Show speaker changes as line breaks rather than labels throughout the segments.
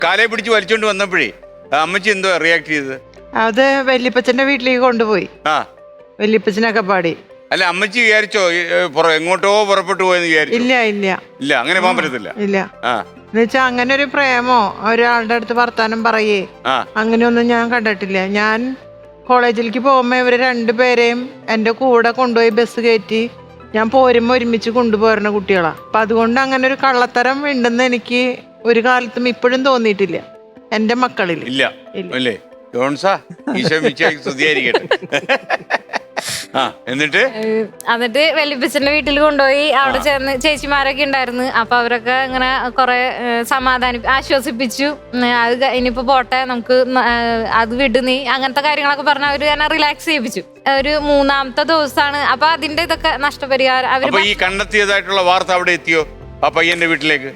കാലയെ പിടിച്ച് വലിച്ചോണ്ട് വന്നപ്പോഴേ അമ്മച്ചി എന്തോ റിയാക്ട് ചെയ്തത്?
അത് വല്യപ്പച്ചന്റെ വീട്ടിലേക്ക് കൊണ്ടുപോയി. വല്യപ്പച്ചനൊക്കെ പാടി.
അല്ല അമ്മച്ചി വിചാരിച്ചോ എങ്ങോട്ടോ പുറപ്പെട്ടു പോയെന്ന് വിചാരിച്ചു?
ഇല്ല ഇല്ല
ഇല്ല, അങ്ങനെ പോകാൻ പറ്റത്തില്ല.
ഇല്ല, എന്നുവെച്ചാ അങ്ങനെ ഒരു പ്രേമോ ഒരാളുടെ അടുത്ത് വർത്താനം പറയേ അങ്ങനെയൊന്നും ഞാൻ കണ്ടിട്ടില്ല. ഞാൻ കോളേജിലേക്ക് പോകുമ്പോ ഇവര് രണ്ടുപേരെയും എന്റെ കൂടെ കൊണ്ടുപോയി ബസ് കയറ്റി ഞാൻ പോരുമ്പോ ഒരുമിച്ച് കൊണ്ടുപോരുന്ന കുട്ടികളാ. അപ്പൊ അതുകൊണ്ട് അങ്ങനെ ഒരു കള്ളത്തരം ഉണ്ടെന്ന് എനിക്ക് ഒരു കാലത്തും ഇപ്പോഴും തോന്നിയിട്ടില്ല എന്റെ മക്കളിൽ.
ഇല്ല അല്ലേ ജോൺസാ? സ്തുതിയായിരിക്കട്ടെ. എന്നിട്ട്
വല്യപ്പച്ചന്റെ വീട്ടിൽ കൊണ്ടുപോയി അവിടെ ചെന്ന് ചേച്ചിമാരൊക്കെ ഉണ്ടായിരുന്നു. അപ്പൊ അവരൊക്കെ ഇങ്ങനെ കൊറേ ആശ്വസിപ്പിച്ചു. അത് ഇനിയിപ്പോ പോട്ടെ, നമുക്ക് അത് വിട് നീ, അങ്ങനത്തെ കാര്യങ്ങളൊക്കെ പറഞ്ഞ അവര് തന്നെ റിലാക്സ് ചെയ്യിപ്പിച്ചു. ഒരു 3-ാമത്തെ ദിവസമാണ്. അപ്പൊ അതിന്റെ ഇതൊക്കെ നഷ്ടപരിഹാരം അവര്
ഈ കണ്ടെത്തിയതായിട്ടുള്ള വാർത്ത അവിടെ എത്തിയോ ആ പയ്യന്റെ വീട്ടിലേക്ക്?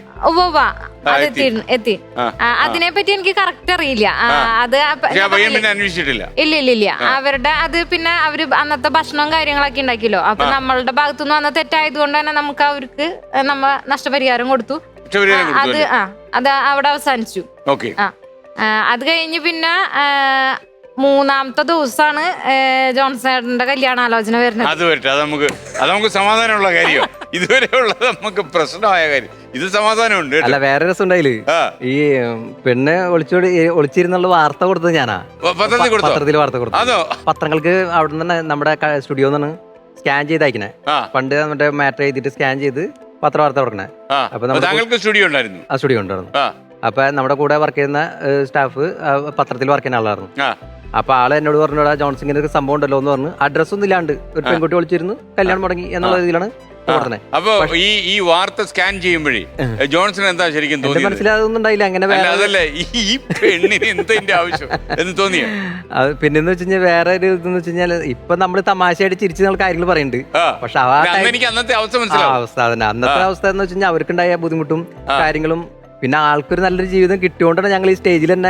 എത്തി. അതിനെപ്പറ്റി എനിക്ക് കറക്റ്റ് അറിയില്ല. അത്
അന്വേഷിച്ചിട്ടില്ല.
ഇല്ല. അവരുടെ അത് പിന്നെ അവര് അന്നത്തെ ഭക്ഷണവും കാര്യങ്ങളൊക്കെ ഉണ്ടാക്കിയല്ലോ. അപ്പൊ നമ്മളുടെ ഭാഗത്തുനിന്ന് വന്ന തെറ്റായത് കൊണ്ട് തന്നെ നമുക്ക് അവർക്ക് നമ്മ നഷ്ടപരിഹാരം കൊടുത്തു. അത് അവിടെ അവസാനിച്ചു. അത് കഴിഞ്ഞ് പിന്നെ 3-ാമത്തെ ദിവസമാണ് ജോൺസേട്ടന്റെ കല്യാണാലോചന വരുന്നത്.
അത് വരട്ടെ, അത് നമുക്ക് സമാധാനമുള്ള കാര്യം. ഇതുവരെ ഉള്ളത് നമുക്ക് പ്രശ്നമായ കാര്യം. ഇത് സമാധാനമുണ്ട്.
അല്ല, വേറെ രസം ഉണ്ടായില് ഈ പെണ്ണ് ഒളിച്ചിരുന്നുള്ള വാർത്ത കൊടുത്തത് ഞാനാ. പത്രത്തിൽ വാർത്ത കൊടുത്തു. പത്രങ്ങൾക്ക് അവിടെ നിന്ന് നമ്മുടെ സ്റ്റുഡിയോ നിന്നാണ് സ്കാൻ ചെയ്ത് അയക്കണേ. പണ്ട് മറ്റേ മാറ്റർ ചെയ്തിട്ട് സ്കാൻ ചെയ്ത് പത്രവാർത്ത കൊടുക്കണേ.
അപ്പൊ സ്റ്റുഡിയോ ഉണ്ടായിരുന്നു.
ആ സ്റ്റുഡിയോ ഉണ്ടായിരുന്നു. അപ്പൊ നമ്മുടെ കൂടെ വർക്ക് ചെയ്യുന്ന സ്റ്റാഫ് പത്രത്തിൽ വർക്ക് ചെയ്യുന്ന ആളായിരുന്നു. അപ്പൊ ആള് എന്നോട് പറഞ്ഞോടാ ജോൺസൺ ഇങ്ങനെ ഒരു സംഭവം ഉണ്ടല്ലോ എന്ന് പറഞ്ഞു. അഡ്രസ് ഒന്നും ഇല്ലാണ്ട് ഒരു പെൺകുട്ടി വിളിച്ചിരുന്നു, കല്യാണം മുടങ്ങി എന്നുള്ള രീതിയിലാണ്.
അപ്പൊ ഈ വാർത്ത സ്കാൻ ചെയ്യുമ്പോഴേ ജോൺസൺ എന്താ ശരിക്കും തോന്നി?
മനസ്സിലാതൊന്നും ഉണ്ടായില്ല. അങ്ങനെ
അതല്ലേ ഈ പെണ്ണിന് എന്താ ആവശ്യം എന്ന് തോന്നിയോ?
അത് പിന്നെന്ന് വെച്ച് കഴിഞ്ഞാൽ വേറെ ഒരു ഇതെന്ന് വെച്ച് കഴിഞ്ഞാൽ ഇപ്പൊ നമ്മള് തമാശയായിട്ട് ചിരിച്ച് നമ്മൾ കാര്യങ്ങൾ പറയുന്നുണ്ട്. പക്ഷെ
അന്നത്തെ അവസ്ഥ
തന്നെ അന്നത്തെ അവസ്ഥ എന്ന് വെച്ച് കഴിഞ്ഞാൽ അവർക്കുണ്ടായ ബുദ്ധിമുട്ടും കാര്യങ്ങളും പിന്നെ ആൾക്കൊരു നല്ലൊരു ജീവിതം കിട്ടിയോണ്ടാണ് ഞങ്ങൾ ഈ സ്റ്റേജിൽ തന്നെ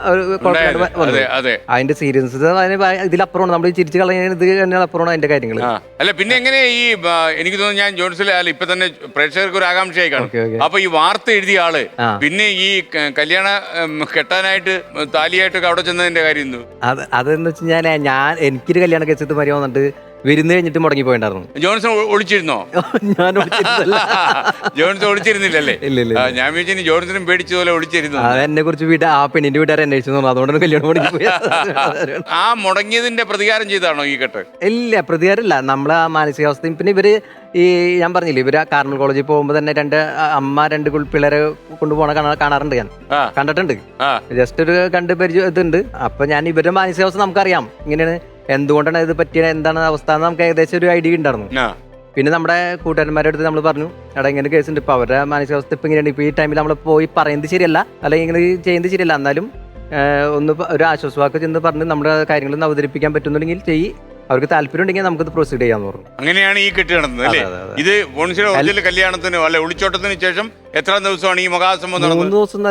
അതിന്റെ സീരിയസ്നെസ് ഇതിലപ്പുറമാണ്. നമ്മൾ ചിരിച്ചു കളയുന്നത് അപ്പുറമാണ് അതിന്റെ കാര്യങ്ങൾ.
അല്ല പിന്നെ എങ്ങനെ ഈ എനിക്ക് തോന്നുന്നു ഞാൻ ജോൺസിലെ അല്ല ഇപ്പൊ തന്നെ പ്രേക്ഷകർക്ക് ഒരു ആകാംക്ഷയായി കാണും. അപ്പൊ ഈ വാർത്ത എഴുതിയ ആള് പിന്നെ ഈ കല്യാണ കെട്ടാനായിട്ട് താലിയായിട്ടൊക്കെ അവിടെ ചെന്നതിന്റെ കാര്യം
അതെന്ന് വെച്ച് ഞാൻ എനിക്കൊരു കല്യാണ കേസത്ത് മരി വന്നിട്ട് വിരുന്ന് കഴിഞ്ഞിട്ട് മുടങ്ങി പോയിണ്ടായിരുന്നു.
ജോൺസൺ ഒളിച്ചിരുന്നോ?
ഞാൻ
ജോൺസൺ ഒളിച്ചിരുന്നില്ലല്ലേ?
ഇല്ല.
ഞാൻ വിചാരിച്ചു ജോൺസണും പേടിച്ചതുപോലെ ഒളിച്ചിരുന്നു.
എന്നെ കുറിച്ച് ആ പെണ്ണിന്റെ വീട്ടുകാരെ അന്വേഷിച്ചു, അതുകൊണ്ടാണ് കല്യാണം മുടങ്ങി പോയി.
ആ മുടങ്ങിയതിന്റെ പ്രതികാരം ചെയ്താണോ ഈ കെട്ട്?
ഇല്ല, പ്രതികാരമില്ല. നമ്മളെ ആ മാനസികാവസ്ഥയും പിന്നെ ഇവര് ഈ ഞാൻ പറഞ്ഞില്ലേ ഇവര് കാർമൽ കോളേജിൽ പോകുമ്പോ തന്നെ രണ്ട് പിള്ളേരെ കൊണ്ടുപോകണ കാണാറുണ്ട്. ഞാൻ കണ്ടിട്ടുണ്ട്. ജസ്റ്റ് ഒരു കണ്ട് പരിചയം ഇതുണ്ട്. അപ്പൊ ഞാൻ ഇവരുടെ മാനസികാവസ്ഥ നമുക്കറിയാം. ഇങ്ങനെയാണ്, എന്തുകൊണ്ടാണ് ഇത് പറ്റിയ, എന്താണ് അവസ്ഥ എന്ന് നമുക്ക് ഏകദേശം ഒരു ഐഡിയ ഉണ്ടായിരുന്നു. പിന്നെ നമ്മുടെ കൂട്ടുകാരന്മാരുടെ അടുത്ത് നമ്മൾ പറഞ്ഞു, എടാ ഇങ്ങനെ കേസുണ്ട്, ഇപ്പൊ അവരുടെ മാനസികാവസ്ഥ ഇപ്പൊ ഇങ്ങനെയാണ്, ഇപ്പൊ ഈ ടൈമിൽ നമ്മൾ പോയി പറയുന്നത് ശരിയല്ല, അല്ലെങ്കിൽ ഇങ്ങനെ ചെയ്യുന്നത് ശരിയല്ല, എന്നാലും ഒന്ന് ഒരു ആശ്വാസവാക്ക് ചെന്ന് പറഞ്ഞ് നമ്മുടെ കാര്യങ്ങളൊന്ന് അവതരിപ്പിക്കാൻ പറ്റുന്നുണ്ടെങ്കിൽ അവർക്ക് താല്പര്യം ഉണ്ടെങ്കിൽ നമുക്കത് പ്രൊസീഡ് ചെയ്യാന്ന് പറഞ്ഞു.
അങ്ങനെയാണ് ഈ കെട്ട് നടന്നത് അല്ലേ? ഇത് ബോൺസിയുടെ ഒറിജിനൽ കല്യാണത്തിന് അല്ലെ ഒളിച്ചോട്ടത്തിന് ശേഷം എത്ര ദിവസമാണ് ഈ മഹാസംഭവം നടന്നത്?
3 ദിവസം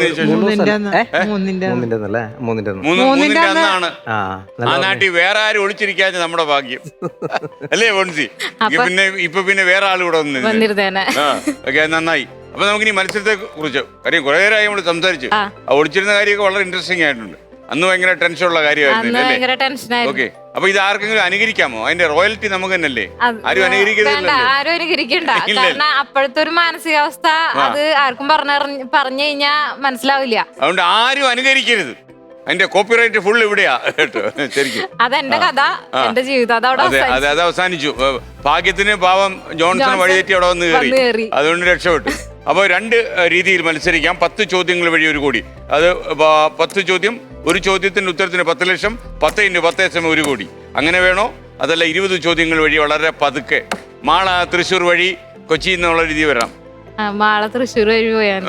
ആ നാട്ടിൽ വേറെ ആരും ഒളിച്ചിരിക്കാതെ നമ്മുടെ ഭാഗ്യം അല്ലേ ബോൺസി? പിന്നെ വേറെ ആൾ കൂടെ നന്നായി. അപ്പൊ നമുക്ക് ഇനി മത്സരത്തെ കുറിച്ച് കാര്യം കുറെ നേരമായി നമ്മൾ സംസാരിച്ചു. ഒളിച്ചിരുന്ന കാര്യമൊക്കെ വളരെ ഇൻട്രസ്റ്റിംഗ് ആയിട്ടുണ്ട്. അന്ന് ഭയങ്കര ടെൻഷനുള്ള കാര്യമായിരുന്നു. ഓക്കെ, അപ്പൊ ഇത് ആർക്കെങ്കിലും അനുകരിക്കാമോ? അതിന്റെ റോയൽറ്റി നമുക്ക് തന്നെയല്ലേ? ആരും
അനുകരിക്കണ്ട. കാരണം അപ്പോഴത്തെ ഒരു മാനസികാവസ്ഥ അത് ആർക്കും പറഞ്ഞു കഴിഞ്ഞാ മനസ്സിലാവില്ല.
അതുകൊണ്ട് ആരും അനുകരിക്കരുത്. അതിന്റെ കോപ്പിറൈറ്റ് ഫുൾ ഇവിടെയാ കേട്ടോ. ശരിക്കും
അതെന്റെ കഥ, എന്റെ ജീവിതം
അത് അവസാനിച്ചു. ഭാഗ്യത്തിന് പാവം ജോൺസൺ വഴിതെറ്റി അവിടെ വന്ന് കയറി, അതുകൊണ്ട് രക്ഷപ്പെട്ടു. അപ്പോൾ 2 രീതിയിൽ മത്സരിക്കാം. 10 ചോദ്യങ്ങൾ വഴി 1 കോടി. അത് 10 ചോദ്യം, ഒരു ചോദ്യത്തിന്റെ ഉത്തരത്തിന് 10 ലക്ഷം, 10 × 10 = 1 കോടി. അങ്ങനെ വേണോ? അതല്ല 20 ചോദ്യങ്ങൾ വഴി വളരെ പതുക്കെ മാള തൃശ്ശൂർ വഴി കൊച്ചി എന്നുള്ള രീതി വരാം.
തൃശ്ശൂർ വഴി പോയാൽ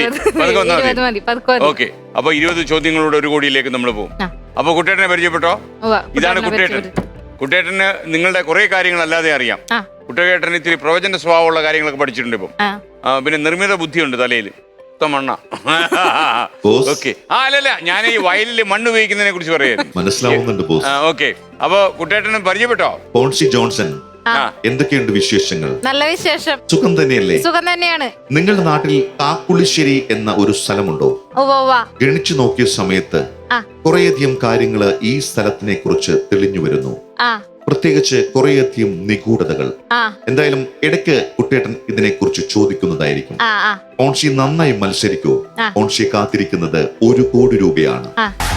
ഓക്കെ. അപ്പൊ 20 ചോദ്യങ്ങളുടെ 1 കോടിയിലേക്ക് നമ്മൾ പോകും. അപ്പൊ കുട്ടേട്ടനെ പരിചയപ്പെട്ടോ? ഇതാണ് കുട്ടേട്ടൻ. കുട്ടേട്ടന് നിങ്ങളുടെ കുറെ കാര്യങ്ങൾ അല്ലാതെ അറിയാം. കുട്ടേട്ടന് ഇത്തിരി പ്രവചന സ്വഭാവമുള്ള കാര്യങ്ങളൊക്കെ പഠിച്ചിട്ടുണ്ട്. ഇപ്പം പിന്നെ നിർമ്മിത ബുദ്ധിയുണ്ട് തലയിൽ. മണ്ണ ഓക്കെ. അല്ലല്ല, ഞാൻ ഈ വയലിൽ മണ്ണ് ഉപയോഗിക്കുന്നതിനെ കുറിച്ച് പറയായിരുന്നു. ഓക്കെ, അപ്പൊ കുട്ടേട്ടനെ പരിചയപ്പെട്ടോ?
പോൺസി ജോൺസൺ, എന്തൊക്കെയുണ്ട് വിശേഷങ്ങൾ?
നല്ല വിശേഷം.
സുഖം തന്നെയല്ലേ?
സുഖം തന്നെയാണ്.
നിങ്ങളുടെ നാട്ടിൽ കാക്കുളിശ്ശേരി എന്ന ഒരു സ്ഥലമുണ്ടോ? ഗണിച്ചു നോക്കിയ സമയത്ത് കുറേയധികം കാര്യങ്ങള് ഈ സ്ഥലത്തിനെ കുറിച്ച് തെളിഞ്ഞു വരുന്നു. പ്രത്യേകിച്ച് കുറേയധികം നിഗൂഢതകൾ. എന്തായാലും ഇടയ്ക്ക് കുട്ടേട്ടൻ ഇതിനെ കുറിച്ച് ചോദിക്കുന്നതായിരിക്കും. ഓൺഷി നന്നായി മത്സരിക്കൂ. ഓൺഷി കാത്തിരിക്കുന്നത് 1 കോടി രൂപയാണ്.